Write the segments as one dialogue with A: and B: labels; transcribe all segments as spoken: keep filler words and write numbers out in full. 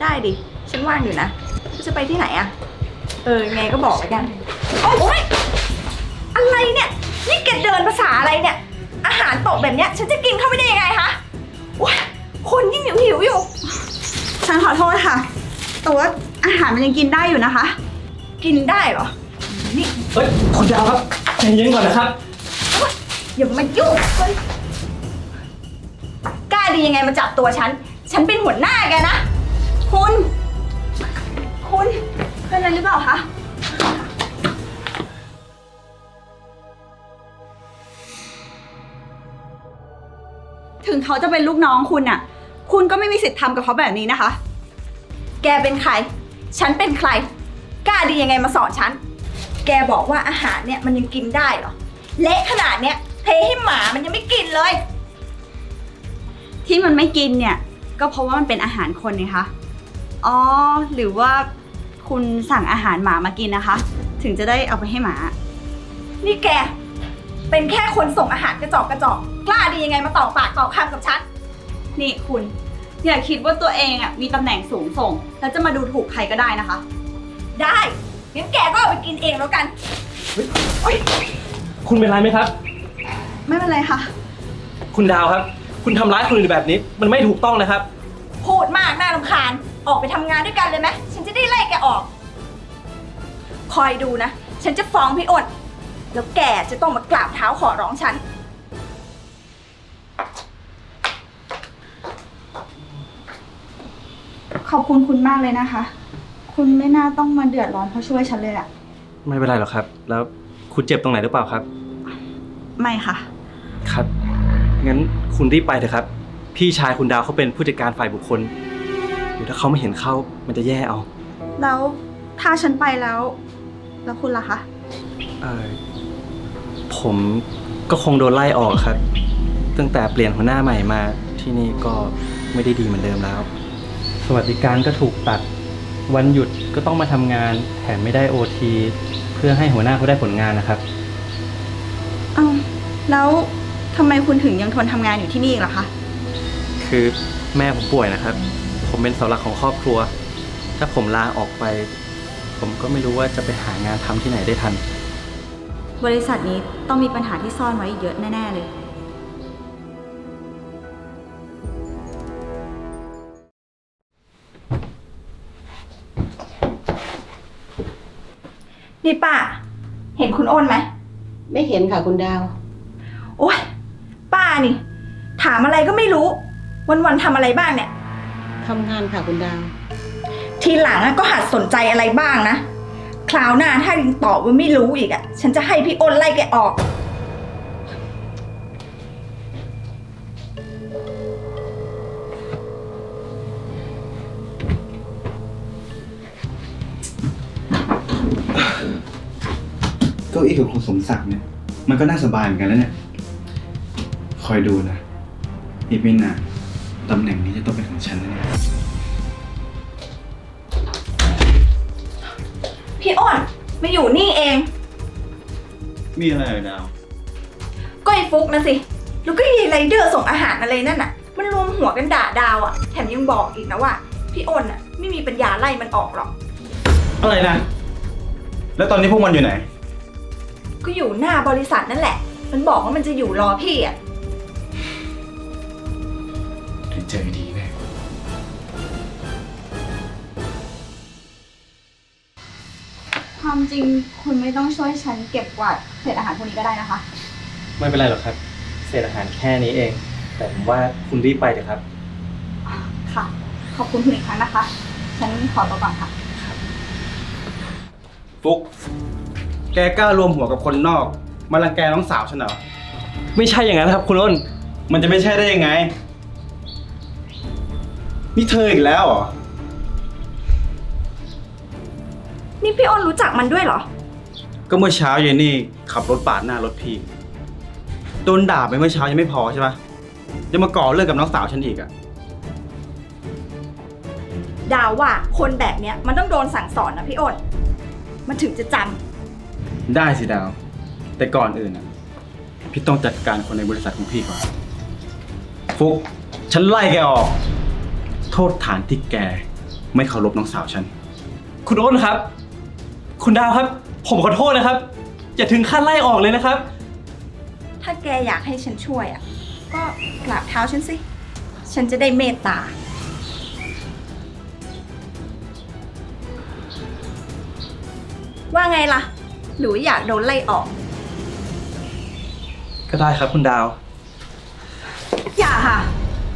A: ได้ดิ ฉันว่างอยู่นะจะไปที่ไหนอะเออไงก็บอกแล้วกัน โอ๊ยอะไรเนี่ย นี่แกเดินภาษาอะไรเนี่ย อาหารตกแบบเนี้ยฉันจะกินเข้าไปได้ยังไงคะโอ๊ยคนยิ่งหิวหิวอยู่
B: ฉันขอโทษค่ะ แต่ว่าอาหารมันยังกินได้อยู่นะคะ
A: กินได้เหรอ นี่
C: เฮ้ยคุณดาวครับใจเย็นก่อนนะครับ
A: อย่ามายุ่งเฮ้ยกล้าดียังไงมาจับตัวฉัน ฉันเป็นหัวหน้าแกนะ คุณ คุณเป็นอะไรหรือเปล่าคะ
B: ถึงเขาจะเป็นลูกน้องคุณน่ะ คุณก็ไม่มีสิทธิ์ทำกับเขาแบบนี้นะคะ
A: แกเป็นใคร ฉันเป็นใคร กล้าดียังไงมาสอนฉัน แกบอกว่าอาหารเนี่ยมันยังกินได้เหรอ เละขนาดเนี้ยเทให้หมามันยังไม่กินเลย
B: ที่มันไม่กินเนี่ย ก็เพราะว่ามันเป็นอาหารคนไงคะ อ๋อ หรือว่าคุณสั่งอาหารหมามากินนะคะ ถึงจะได้เอาไปให้หมา
A: นี่แก เป็นแค่คนส่งอาหารกระจอกกระจอก กล้าดียังไงมาต่อปากต่อคำกับฉัน
B: นี่คุณ อย่าคิดว่าตัวเองอ่ะมีตำแหน่งสูงส่ง แล้วจะมาดูถูกใครก็ได้นะคะ
A: ได้ งั้นแกก็เอาไปกินเองแล้วกัน
C: คุณเป็นไรไหมครับ
B: ไม่เป็นไรค่ะ
C: คุณดาวครับ คุณทำร้ายคนอื่นแบบนี้ มันไม่ถูกต้องนะครับ
A: พูดมากน่ารำคาญ ออกไปทำงานด้วยกันเลยไหม ฉันจะได้ไล่แกออก คอยดูนะ ฉันจะฟ้องพี่อ้น แล้วแกจะต้องมากราบเท้าขอร้องฉัน
B: ขอบคุณคุณมากเลยนะคะ คุณไม่น่าต้องมาเดือดร้อนเพราะช่วยฉันเลยอะ
C: ไม่เป็นไรหรอกครับ แล้วคุณเจ็บตรงไหนหรือเปล่าครับ
B: ไม่ค่ะ
C: ครับ งั้นคุณรีบไปเถอะครับ พี่ชายคุณดาวเขาเป็นผู้จัดการฝ่ายบุคคล เดี๋ยวถ้าเขาไม่เห็นเข้า มันจะแย่เอา
B: แล้วถ้าฉันไปแล้ว แล้วคุณล่ะคะ
C: เออผมก็คงโดนไล่ออกครับ ตั้งแต่เปลี่ยนหัวหน้าใหม่มาที่นี่ก็ไม่ได้ดีเหมือนเดิมแล้ว สวัสดิการก็ถูกตัด วันหยุดก็ต้องมาทำงาน แถมไม่ได้โอทีเพื่อให้หัวหน้าเขาได้ผลงานนะครับ
B: เอ้าแล้วทำไมคุณถึงยังทนทำงานอยู่ที่นี่อีกล่ะคะ
C: คือแม่ผมป่วยนะครับ ผมเป็นเสาหลักของครอบครัว ถ้าผมลาออกไป ผมก็ไม่รู้ว่าจะไปหางานทำที่ไหนได้ทัน
B: บริษัทนี้ต้องมีปัญหาที่ซ่อนไว้เยอะแน่ๆเลย
A: นี่ป้า เห็นคุณอ้นไหม
D: ไม่เห็นค่ะคุณดาว
A: โอ๊ย ป้านี่ ถามอะไรก็ไม่รู้ วันๆทำอะไรบ้างเนี่ย
D: ทำงานค่ะคุณดาว
A: ทีหลังอะก็หัดสนใจอะไรบ้างนะ คราวหน้าถ้ายังตอบว่าไม่รู้อีกอะฉันจะให้พี่อ้นไล่แกออก
E: เก้าอี้ของคุณสมศักดิ์เนี่ย มันก็น่าสบายเหมือนกันแล้วเนี่ย คอยดูนะอีกไม่นานตำแหน่งนี้จะต้องเป็นของฉันแน่
A: พี่อ้นมาอยู่นี่เอง
E: ๆมีอะไรเหรอดาว
A: ก็ไอ้ฟุกนะสิ แล้วก็ยีไรเดอร์ส่งอาหารอะไรนั่นน่ะ มันรวมหัวกันด่าดาวอะแถมยังบอกอีกนะว่า พี่อ้นอะไม่มีปัญญาไล่มันออกหรอก
E: อะไรนะ แล้วตอนนี้พวกมันอยู่ไหน
A: ก็อยู่หน้าบริษัทนั่นแหละ มันบอกว่ามันจะอยู่รอพี่อะ
E: ถึงเจอดีแน่
B: ความจริงคุณไม่ต้องช่วยฉันเก็บกวาดเศษอาหารพวกนี้ก็ได้นะคะ
C: ไม่เป็นไรหรอกครับ เศษอาหารแค่นี้เอง แต่ผมว่าคุณรีบไปเถอะครับ
B: ค่ะ ขอบคุณคุณอีกครั้งนะคะ ฉันขอตัวก่อนค่ะ
E: ฟุก แกกล้ารวมหัวกับคนนอก มารังแกน้องสาวฉันเหรอ
C: ไม่ใช่อย่างนั้นครับ คุณอ้น
E: มันจะไม่ใช่ได้ยังไง นี่เธออีกแล้วเหรอ
A: นี่พี่อ้นรู้จักมันด้วยเหรอ
E: ก็เมื่อเช้าเยนนี่ขับรถปาดหน้ารถพี่ โดนด่าไปเมื่อเช้ายังไม่พอใช่ปะยังมาก่อเรื่องกับน้องสาวฉันอีกอะ
A: ดาวว่าคนแบบเนี้ยมันต้องโดนสั่งสอนนะพี่อ้น มันถึงจะจำ
E: ได้สิดาว แต่ก่อนอื่นอะพี่ต้องจัดการคนในบริษัทของพี่ก่อน ฟุก ฉันไล่แกออก โทษฐานที่แกไม่เคารพน้องสาวฉัน
C: คุณอ้นครับ คุณดาวครับ ผมขอโทษนะครับ อย่าถึงขั้นไล่ออกเลยนะครับ
A: ถ้าแกอยากให้ฉันช่วยอ่ะ ก็กราบเท้าฉันสิ ฉันจะได้เมตตา ว่าไงล่ะ หรือว่าอยากโดนไล่ออก
C: ก็ได้ครับคุณดาว
B: อย่าค่ะ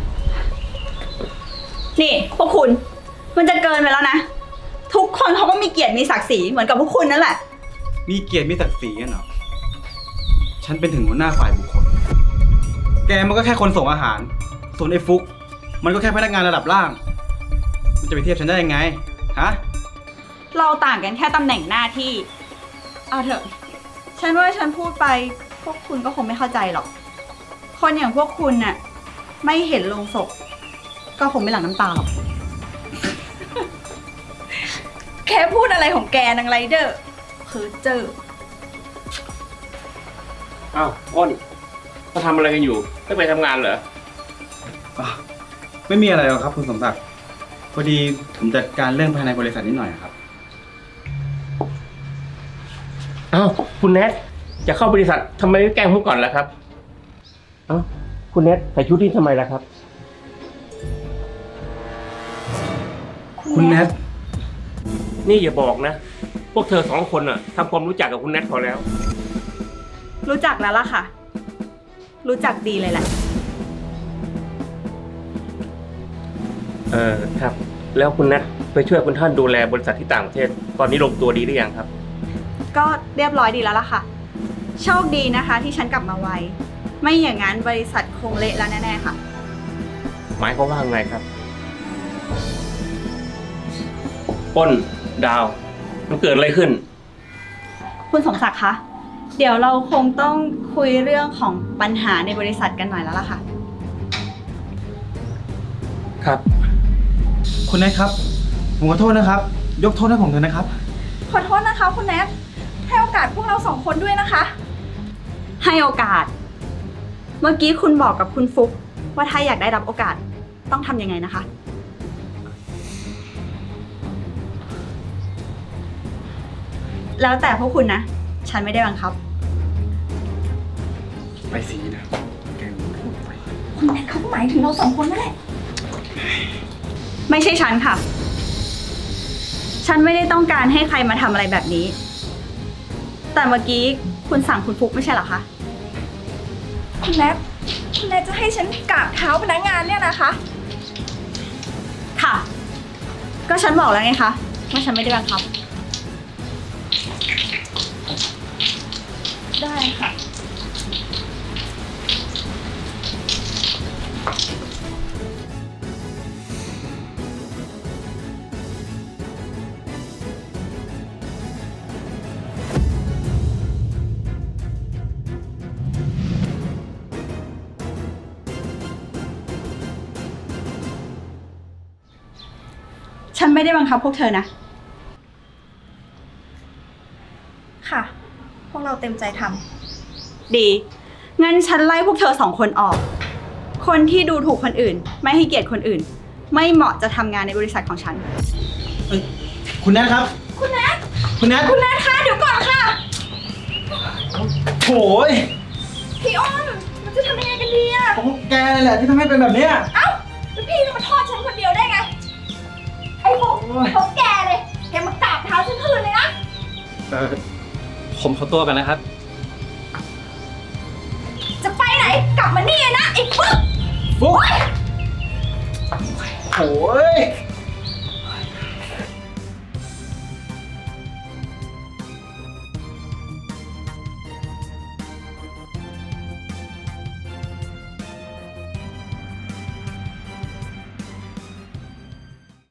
B: นี่พวกคุณมันจะเกินไปแล้วนะ ทุกคนเขาก็มีเกียรติมีศักดิ์ศรีเหมือนกับพวกคุณนั่นแหละ
E: มีเกียรติมีศักดิ์ศรีกันเหรอ ฉันเป็นถึงหัวหน้าฝ่ายบุคคล แกมันก็แค่คนส่งอาหาร ส่วนไอ้ฟุก มันก็แค่พนักงานระดับล่าง มันจะไปเทียบฉันได้ยังไง ฮะ
B: เราต่างกันแค่ตำแหน่งหน้าที่ เอาเถอะ ฉันว่าฉันพูดไปพวกคุณก็คงไม่เข้าใจหรอก คนอย่างพวกคุณน่ะไม่เห็นโลงศพก็คงไม่หลั่งน้ำตาหรอก
A: แกพูดอะไรของแกนางไรเดอร์เพ้อเจอ
F: อ้าวอ้นเขาทำอะไรกันอยู่ไม่ไปทำงานเหรอ
E: ไม่มีอะไรหรอกครับคุณสมศักดิ์ พอดีผมจัดการเรื่องภายในบริษัทนิดหน่อยครับ
F: อ้าวคุณแนทจะเข้าบริษัททำไมไม่แกล้งผมก่อนล่ะครับอ้าวคุณแนทใส่ชุดนี้ทำไมล่ะครับ
E: คุณแนท
F: นี่อย่าบอกนะ พวกเธอสองคนน่ะทำความรู้จักกับคุณแนทเขาแล้ว
B: รู้จักแล้วล่ะค่ะ รู้จักดีเลยแหละ
F: เออครับ แล้วคุณแนทไปช่วยคุณท่านดูแลบริษัทที่ต่างประเทศ ตอนนี้ลงตัวดีหรือยังครับ
B: ก็เรียบร้อยดีแล้วล่ะค่ะ โชคดีนะคะที่ฉันกลับมาไว ไม่อย่างนั้นบริษัทคงเละแล้วแน่ๆค่ะ
F: หมายความว่าไงครับอ้นดาว มันเกิดอะไรขึ้น
B: คุณสมศักดิ์คะ เดี๋ยวเราคงต้องคุยเรื่องของปัญหาในบริษัทกันหน่อยแล้วล่ะค่ะ
F: ครับ
E: คุณแนทครับ ผมขอโทษนะครับ ยกโทษให้ผมเถอะนะครับ
A: ขอโทษนะคะคุณแนท ให้โอกาสพวกเราสองคนด้วยนะคะ
B: ให้โอกาส เมื่อกี้คุณบอกกับคุณฟุกว่าถ้าอยากได้รับโอกาสต้องทำยังไงนะคะ แล้วแต่พวกคุณนะ ฉันไม่ได้บังคับ
E: ไปสีนะแกพูดไป
A: คุณแนทเขาก็หมายถึงเราสองคนนั่นแหละ
B: ไม่ใช่ฉันค่ะ ฉันไม่ได้ต้องการให้ใครมาทำอะไรแบบนี้ แต่เมื่อกี้คุณสั่งคุณฟุกไม่ใช่เหรอคะ
A: คุณแนท คุณแนทจะให้ฉันกราบเท้าพนักงานเนี่ยนะคะ
B: ค่ะ ก็ฉันบอกแล้วไงคะว่าฉันไม่ได้บังคับ
A: ได้ค่ะ
B: ฉันไม่ได้บังคับพวกเธอนะ
A: ค่ะ พวกเราเต็มใจทำ
B: ดี งั้นฉันไล่พวกเธอสองคนออก คนที่ดูถูกคนอื่น ไม่ให้เกียรติคนอื่น ไม่เหมาะจะทำงานในบริษัทของฉัน
E: เอ้ยคุณแนทครับ
A: คุณแนท
E: คุณแนท
A: คุณแนทคะเดี๋ยวก่อนค่ะ
E: โถ่ย
A: พี่อ้นมันจะทำยังไงกันดีอะ
E: ผมแกเลยแหละที่ทำให้เป็นแบบเนี้ย
A: เอ้าแล้วพี่จะมาโทษฉันคนเดียวได้ไง ไอ้พวก
E: โอ้ย
A: พวกแกเลยแกมากราบเท้าฉันคืนเลยนะ
C: เออผมขอตัวกันนะครับ
A: จะไปไหน กลับมานี่เลยนะไอ้ปึ๊ก
E: ฟุ๊กโถ่ย